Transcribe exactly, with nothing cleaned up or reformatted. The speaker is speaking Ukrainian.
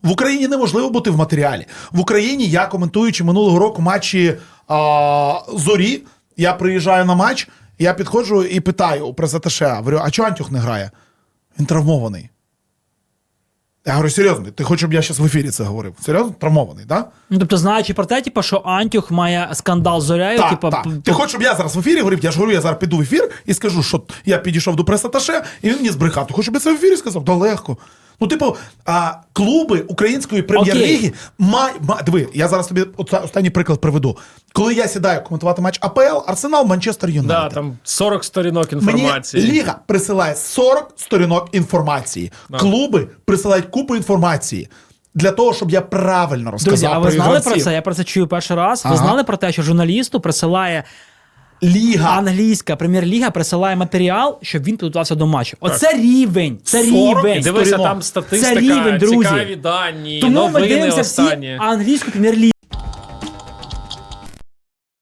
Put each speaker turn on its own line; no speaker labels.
В Україні неможливо бути в матеріалі. В Україні я, коментуючи минулого року матчі а, Зорі, я приїжджаю на матч, я підходжу і питаю у прес-атташе, говорю, а чого Антюх не грає? Він травмований. Я говорю, серйозно, ти хочеш, щоб я зараз в ефірі це говорив? Серйозно? Травмований, так? Да?
Ну, тобто, знаючи про те, типу, що Антюх має скандал з Зоряю,
Так,
типу...
так. Ти хочеш, щоб я зараз в ефірі говорив? Я ж говорю, я зараз піду в ефір і скажу, що я підійшов до прес-атташе, і він мені збрехав. Ти хочеш, щоб я це в ефірі сказав? Да легко. Ну, типу, а, клуби української прем'єр-ліги май, май, диви, я зараз тобі останній приклад приведу. Коли я сідаю коментувати матч АПЛ, Арсенал, Манчестер Юнайтед.
Да, там сорок сторінок інформації.
Мені Ліга присилає сорок сторінок інформації. Да. Клуби присилають купу інформації. Для того, щоб я правильно розказав.
Друзі, а ви
про
знали
ігравців.
про це? Я про це чую перший раз.
Ага.
Ви знали про те, що журналісту присилає
Ліга.
англійська прем'єр-ліга присилає матеріал, щоб він підготувався до матчу. Оце рівень. Це рівень.
Дивися,
сторінок.
там статистика,
Це рівень, друзі.
цікаві дані,
Тому ми
новини
дивимося
останні.
всі англійську прем'єр-лігу.